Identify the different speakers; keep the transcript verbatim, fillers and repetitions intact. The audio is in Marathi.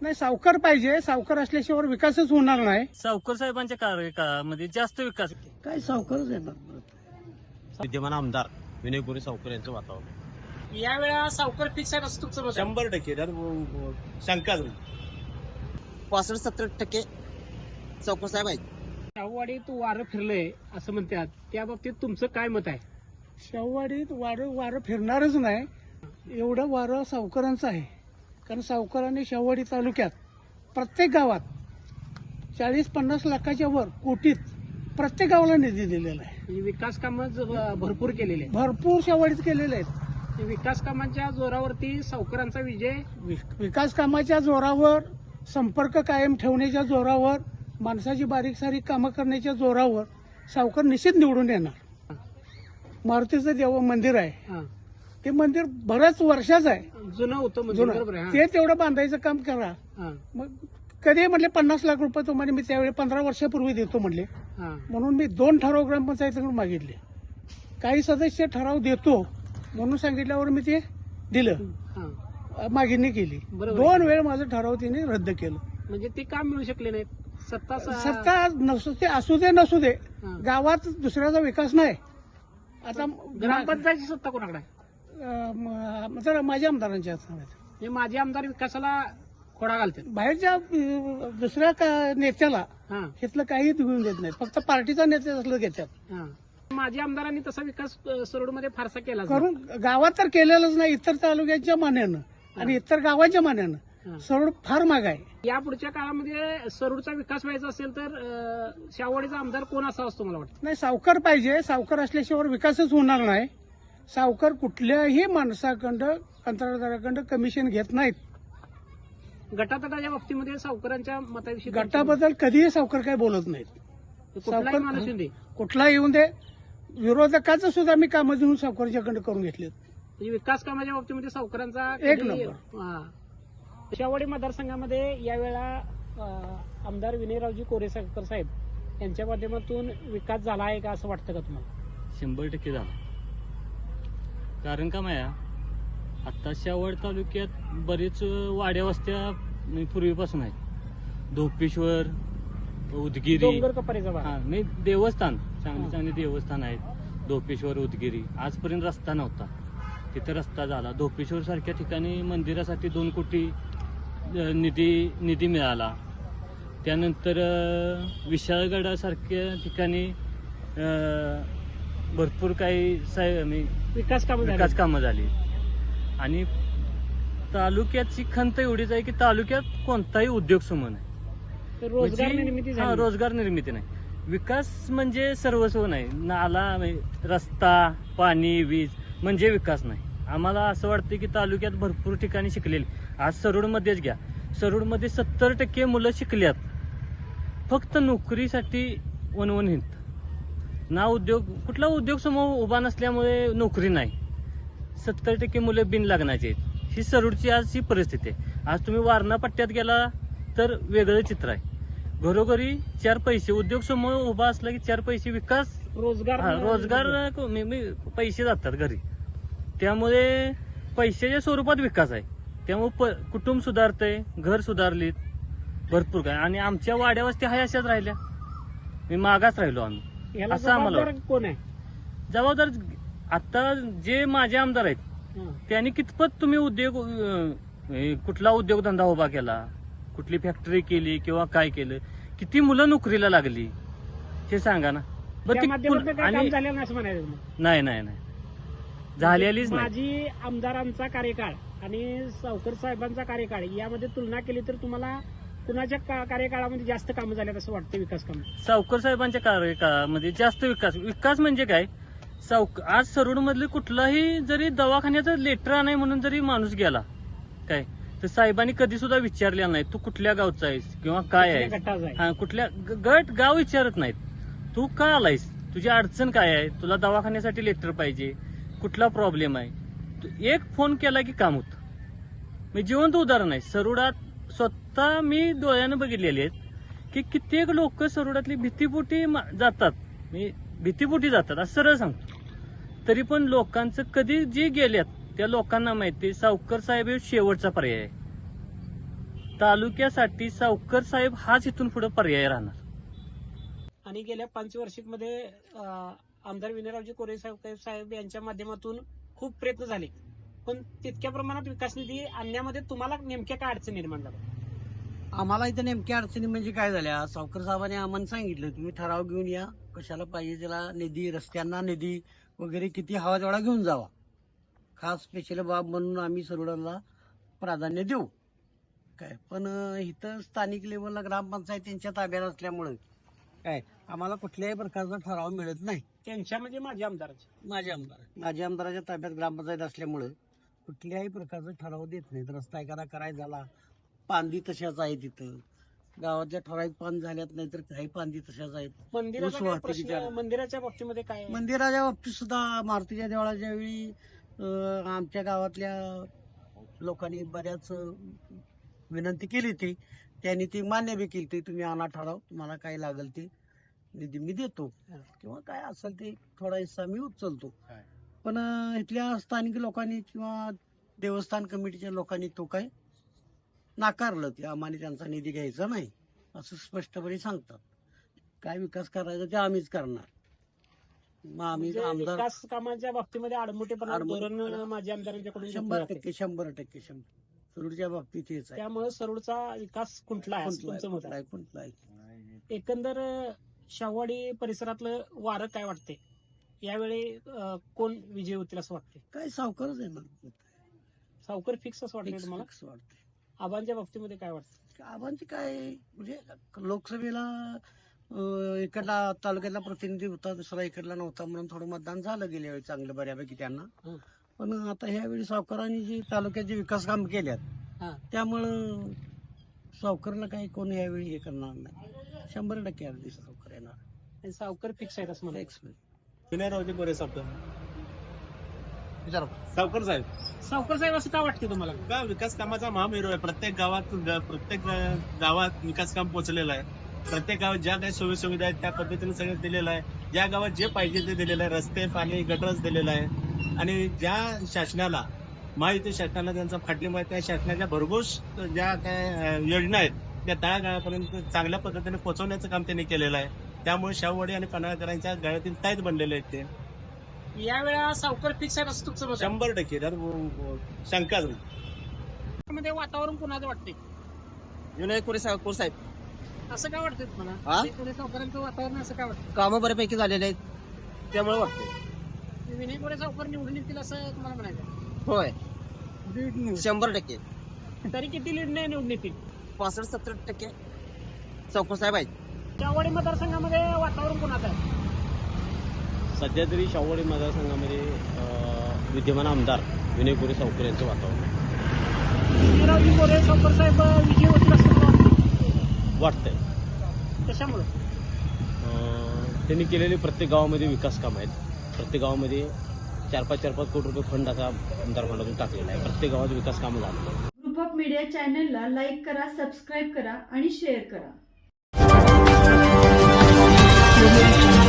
Speaker 1: नाही, सावकार पाहिजे. सावकार असल्याशिवाय विकासच होणार नाही.
Speaker 2: सावकर साहेबांच्या कार्यकाळामध्ये जास्त विकास.
Speaker 1: काय सावकारच येणार.
Speaker 3: विद्यमान आमदार विनय गोरे सावकर यांचं वातावरण
Speaker 2: यावेळा सावकर फिक्स आहे असं तुमचं मत आहे?
Speaker 3: शंभर टक्के त्यात शंकाच नाही.
Speaker 4: पासष्ट सत्तर टक्के सावकर साहेब आहेत.
Speaker 5: शाहूवाडीत वारं फिरलंय असं म्हणतात, त्या बाबतीत तुमचं काय मत आहे?
Speaker 1: शाहूवाडीत वारं वारं फिरणारच नाही. एवढं वारं सावकारांचं आहे. कारण सावकारांनी शाहूवाडी तालुक्यात प्रत्येक गावात चाळीस पन्नास लाखाच्या वर कोटीत प्रत्येक गावाला निधी दिलेला आहे.
Speaker 5: म्हणजे विकास कामं ज- भरपूर केलेले आहेत.
Speaker 1: भरपूर शाहूवाडीत केलेले आहेत.
Speaker 5: विकास कामांच्या जोरावरती सावकारांचा विजय.
Speaker 1: वि- विकास कामाच्या जोरावर, संपर्क कायम ठेवण्याच्या जोरावर, माणसाची बारीक सारीक कामं करण्याच्या जोरावर सावकार निश्चित निवडून येणार. मारुतीचं देव मंदिर आहे,
Speaker 5: हा.
Speaker 1: ते मंदिर बऱ्याच वर्षाचं आहे.
Speaker 5: जुनं होतं म्हणजे
Speaker 1: जुनं.
Speaker 5: बरोबर आहे.
Speaker 1: ते तेवढं बांधायचं काम करा.
Speaker 5: हा.
Speaker 1: मग कधी म्हणले पन्नास लाख रुपये तुम्हाला मी त्यावेळी पंधरा वर्षापूर्वी देतो म्हणले.
Speaker 5: हा.
Speaker 1: म्हणून मी दोन ठराव ग्रामपंचायतीकडून मागितले. काही सदस्य ठराव देतो म्हणून सांगितल्यावर मी ते दिलं,
Speaker 5: हा.
Speaker 1: मागणी केली.
Speaker 5: बरोबर.
Speaker 1: दोन वेळ माझं ठराव तिने रद्द केलं.
Speaker 5: म्हणजे ते काम मिळू शकले नाहीत. सत्ता स-
Speaker 1: सत्ता नसू ते असू दे नसू दे,
Speaker 5: हा.
Speaker 1: गावात दुसऱ्याचा विकास नाही. आता
Speaker 5: ग्रामपंचायतची सत्ता कोणाकडे आहे?
Speaker 1: अं, म- तर माझ्या आमदारांच्या हातात आहे.
Speaker 5: म्हणजे माझे आमदार विकासाला खोडा घालतात.
Speaker 1: बाहेरच्या अं, दुसऱ्या का- नेत्याला
Speaker 5: हा.
Speaker 1: इथलं काही घेऊन देत नाहीत. फक्त पार्टीचा नेते असलं घेतात.
Speaker 5: हा. माझ्या आमदारांनी तसा विकास सरोडमध्ये फारसा केला
Speaker 1: करून गावात तर केलेलंच नाही. इतर तालुक्याच्या मान्यानं आणि इतर गावाच्या मान्यानं सरोड फार माग आहे.
Speaker 5: या पुढच्या काळामध्ये सरोडचा विकास व्हायचा असेल तर अं, शाहूवाडीचा आमदार कोण असा असतो मला वाटतं?
Speaker 1: नाही, सावकार पाहिजे. सावकार असल्याशिवाय विकासच होणार नाही. सावकार कुठल्याही माणसाकडं, कंत्राटदाराकडं कमिशन घेत नाहीत.
Speaker 5: गटातटाच्या बाबतीमध्ये सावकारांच्या मताविषयी
Speaker 1: गटाबद्दल कधीही सावकार काही बोलत नाहीत.
Speaker 5: कुठलाही
Speaker 1: सावकार-
Speaker 5: माणूस येऊन दे.
Speaker 1: कुठला येऊन दे, विरोधकाचं सुद्धा मी कामं देऊन सावकारच्याकडे करून घेतलेत.
Speaker 5: म्हणजे विकास कामाच्या बाबतीमध्ये सावकारांचा
Speaker 1: एक
Speaker 5: कधी-
Speaker 1: नंबर.
Speaker 5: हा. शाहूवाडी मतदारसंघामध्ये यावेळा अं, आमदार विनयरावजी कोरे सावकर साहेब यांच्या माध्यमातून विकास झाला आहे का असं वाटतं का तुम्हाला?
Speaker 2: शंभर टक्के झाला. कारण का माया आता शाहूवाडी तालुक्यात बरेच वाड्या वस्त्या म्हणजे पूर्वीपासून आहेत. धोपेश्वर, उदगिरी,
Speaker 5: डोंगर कपारीचा भाग.
Speaker 2: हा नाही देवस्थान, चांगली
Speaker 5: हा.
Speaker 2: चांगली देवस्थान आहेत. धोपेश्वर, उदगिरी आजपर्यंत रस्ता नव्हता, तिथे रस्ता झाला. धोपेश्वर सारख्या ठिकाणी मंदिरासाठी दोन कोटी अ, निधी निधी मिळाला. त्यानंतर अ, विशाळगडासारख्या ठिकाणी अ, भरपूर काही साय- म्हणजे
Speaker 5: विकास कामं झाली.
Speaker 2: विकास कामं झाली. आणि तालुक्याची खंत एवढीच आहे की तालुक्यात कोणताही उद्योग समूह नाही.
Speaker 5: तर रोजगार
Speaker 2: म्हणजे-
Speaker 5: निर्मिती
Speaker 2: हा,
Speaker 5: झाली.
Speaker 2: रोजगार निर्मिती नाही. विकास म्हणजे सर्वस्व नाही. नाला म्हणजे रस्ता, पाणी, वीज म्हणजे विकास नाही. आम्हाला असं वाटतं की तालुक्यात भरपूर ठिकाणी शिकलेली, आज सरोडमध्येच घ्या, सरोडमध्ये सत्तर टक्के मुलं शिकल्यात, फक्त नोकरीसाठी वनवन हिंडत. ना उद्योग, कुठला उद्योग समूह उभा नसल्यामुळे नोकरी नाही. सत्तर टक्के मुलं बिन लागण्याचे आहेत. ही सरोडची आज ही परिस्थिती आहे. आज तुम्ही वारणा पट्ट्यात गेला तर वेगळं चित्र आहे. घरोघरी चार पैसे, उद्योग समूह उभा असला की चार पैसे विकास,
Speaker 5: रोजगार
Speaker 2: हा, रोजगार मी- मी- पैसे जातात घरी. त्यामुळे पैशाच्या स्वरूपात विकास आहे. त्यामुळे प- कुटुंब सुधारतंय, घर सुधारलीत, भरपूर काय. आणि आमच्या वाड्या वस्ती हाय अशाच राहिल्या, मी मागास राहिलो आम्ही.
Speaker 5: याला
Speaker 2: असं आम्हाला
Speaker 5: जबाबदार कोण आहे?
Speaker 2: जबाबदार आता जे माझे आमदार आहेत
Speaker 5: हा.
Speaker 2: त्यांनी कितपत तुम्ही उद्योग अं, हे कुठला उद्योगधंदा उभा केला, कुठली फॅक्टरी केली किंवा काय केलं, किती मुलं नोकरीला लागली हे सांगा ना. बरं
Speaker 5: त्या
Speaker 2: ती
Speaker 5: माध्यमातून
Speaker 2: कुण-
Speaker 5: काही काम
Speaker 2: आणि
Speaker 5: झालं नाही असं म्हणायचं मग.
Speaker 2: नाही नाही नाही झालेलीच नाही.
Speaker 5: माजी आमदारांचा कार्यकाळ आणि सावकर साहेबांचा कार्यकाळ यामध्ये तुलना केली तर तुम्हाला कुणाच्या का- कार्यकाळामध्ये जास्त कामं झाल्यात असं वाटतं? विकास काम
Speaker 2: सावकर साहेबांच्या कार्यकाळामध्ये जास्त विकास. विकास म्हणजे काय, सावक आज सरोड मधले कुठलाही जरी दवाखान्याचं लेटर नाही म्हणून जरी माणूस गेला काय, तर साहेबांनी कधी सुद्धा विचारलेला नाही तू कुठल्या गावचा आहेस किंवा काय आहे,
Speaker 5: गटाचा आहे.
Speaker 2: हा कुठल्या ग- गट गाव विचारत नाहीत. तू का आलायस, तुझी अडचण काय आहे, तुला दवाखान्यासाठी लेटर पाहिजे, कुठला प्रॉब्लेम आहे, तू एक फोन केला की काम होतं. मी जिवंत उदाहरण आहे. सरोडात स्वतः मी डोळ्यानं बघितलेले आहेत की कित्येक लोक सरोडातली भीतीपोटी मा- जातात, मी भीतीपोटी जातात असं सरळ सांगतो. तरी पण लोकांचं कधी जे गेल्यात त्या लोकांना माहिती सावकर साहेब हे शेवटचा पर्याय आहे. तालुक्यासाठी सावकर साहेब हाच इथून पुढे पर्याय राहणार.
Speaker 5: आणि गेल्या पंचवार्षिकमध्ये अं, आमदार विनयरावजी कोरे साहेब साहेब यांच्या माध्यमातून खूप प्रयत्न झाले, पण तितक्या प्रमाणात विकास निधी आणण्यामध्ये तुम्हाला नेमक्या काय अडचण निर्माण झाल्या?
Speaker 6: आम्हाला इथं नेमक्या अडचणी म्हणजे काय झाल्या, सावकर साहेबांनी आम्हाला सांगितलं तुम्ही ठराव घेऊन या, कशाला पाहिजे त्याला निधी, रस्त्यांना निधी वगैरे किती हवा तेवढा घेऊन जावा. खास स्पेशल बाब म्हणून आम्ही सरोडाला प्राधान्य देऊ. काय पण अं, इथं स्थानिक लेवलला ग्रामपंचायत त्यांच्या ताब्यात असल्यामुळे काय आम्हाला कुठल्याही प्रकारचा ठराव मिळत नाही.
Speaker 5: त्यांच्या म्हणजे माझ्या आमदाराचे
Speaker 6: माझ्या आमदार माझ्या आमदाराच्या ताब्यात ग्रामपंचायत असल्यामुळे कुठल्याही प्रकारचा ठराव देत नाहीत. रस्ता एखादा करायचा झाला, पांदी तशाच आहे तिथं, गावातल्या ठराविक पान झाल्यात नाही तर काही पांदी तशाच आहेत.
Speaker 5: मंदिराचा
Speaker 6: ऊस
Speaker 5: काय
Speaker 6: वाहतुकीच्या-
Speaker 5: प्रश्न, मंदिराच्या बाबतीमध्ये काय आहे?
Speaker 6: मंदिराच्या बाबतीत सुद्धा मारुतीच्या देवळाच्या वेळी अं, आमच्या गावातल्या लोकांनी बऱ्याच अं, विनंती केली होती, त्यांनी ती मान्य बी केली. तुम्ही आणा ठराव, तुम्हाला काय लागेल ते निधी मी देतो किंवा काय असेल ते थोडा हिस्सा मी उचलतो. पण अं, इथल्या स्थानिक लोकांनी किंवा देवस्थान कमिटीच्या लोकांनी तो काय नाकारलं. ते आम्हाला त्यांचा निधी घ्यायचा नाही असं स्पष्टपणे सांगतात. काय विकास करायचा ते आम्हीच करणार. मग आम्ही
Speaker 5: म्हणजे
Speaker 6: आमदार
Speaker 5: विकास कामाच्या बाबतीमध्ये आडमुठेपणा
Speaker 6: आडमुठेपणा-
Speaker 5: धोरण माझ्या आमदारांच्याकडून घेतलं
Speaker 6: शंभर
Speaker 5: जाते.
Speaker 6: टक्के शंभर टक्के शंभर सरूडच्या बाबतीत हेच आहे.
Speaker 5: त्यामुळे सरोडचा विकास खुंटला आहे असं
Speaker 6: कुंठला आहे,
Speaker 5: तुमचं मत
Speaker 6: कुंठला
Speaker 5: आहे.
Speaker 6: आहे, कुंठला आहे.
Speaker 5: एकंदर शाहवाडी परिसरातलं वारं काय वाटते यावेळी? अं, कोण विजय होतील असं वाटते?
Speaker 6: काय सावकारच आहे ना,
Speaker 5: सावकर फिक्स असं वाटतंय तुम्हाला?
Speaker 6: फिक्स वाटते.
Speaker 5: आबांच्या बाबतीमध्ये काय वाटतं?
Speaker 6: आबांची काय म्हणजे लोकसभेला अं, इकडला तालुक्यातला प्रतिनिधी होता, दुसरा इकडला नव्हता म्हणून थोडं मतदान झालं गेल्या वेळी चांगलं बऱ्यापैकी त्यांना.
Speaker 5: हं.
Speaker 6: पण आता ह्यावेळी सावकारांनी जी तालुक्याचे विकास काम केल्यात
Speaker 5: हा.
Speaker 6: त्यामुळं सावकारला काही कोण यावेळी हे करणार नाही. शंभर टक्के अगदी सावकार येणार.
Speaker 5: आणि सावकर फिक्स आहेत असं मला
Speaker 3: विनयरावजी कोरे साहेब
Speaker 6: विचारा.
Speaker 3: सावकर साहेब
Speaker 5: सावकर साहेब असं का वाटते तुम्हाला?
Speaker 3: का विकास कामाचा महामेरू आहे. प्रत्येक गावात ग- प्रत्येक ग- गावात विकास काम पोहोचलेलं आहे. प्रत्येक गावात ज्या काही सोयी सुविधा आहेत त्या पद्धतीने सगळं दिलेलं आहे. ज्या गावात जे पाहिजे ते दिलेलं आहे. रस्ते, पाणी, गटरच दिलेलं आहे. आणि ज्या शासनाला महायुती शासनाला त्यांचा पाठिंबा आहे, त्या शासनाच्या भरघोस ज्या काय अं, योजना आहेत त्या तळागाळापर्यंत चांगल्या पद्धतीने पोहोचवण्याचं काम त्यांनी केलेलं आहे. त्यामुळे शाहूवाडी आणि पन्हाळकरांच्या गळ्यातील ताईत बनलेले आहेत ते.
Speaker 5: यावेळा सावकर फिक्स आहेत असं तुमचं मत आहे?
Speaker 3: शंभर टक्के त्यात व- शंकाच नाही.
Speaker 5: मध्ये वातावरण कुणाचं वाटते?
Speaker 4: विनय कोरे साहेब साहेब
Speaker 5: असं काय वाटतंय
Speaker 4: हा?
Speaker 5: तुम्हाला? विनय सावकरांचं वातावरण असं काय वाटतं?
Speaker 4: कामं बऱ्यापैकी झालेले आहेत त्यामुळे वाटतं.
Speaker 5: विनय कोरे सावकर निवडून येतील असं तुम्हाला म्हणायचं?
Speaker 4: होय शंभर टक्के
Speaker 5: तरी किती लीड नाही निवडून येतील?
Speaker 4: पासष्ट सत्तर टक्के सावकर साहेब आहेत.
Speaker 5: शाहवाडी मतदारसंघामध्ये वातावरण कुणाचं आहे?
Speaker 3: सध्या तरी शाहूवाडी मतदारसंघामध्ये अं, विद्यमान आमदार विनय कोरे सावकर यांचं वातावरण आहे.
Speaker 5: विनयरावजी कोरे सावकर साहेब विजय होतील असं मला वाटतं.
Speaker 3: वाटतंय.
Speaker 5: कशामुळे?
Speaker 3: अं, त्यांनी केलेले प्रत्येक गावामध्ये विकास काम आहेत. प्रत्येक गावामध्ये चार पाच चार पाच कोटी रुपये फंड आता आमदार फंडातून टाकलेला आहे. प्रत्येक गावात विकास कामं झालेलं आहे.
Speaker 7: ग्रुप ऑफ मीडिया चॅनलला लाईक करा, सबस्क्राईब करा आणि शेअर करा.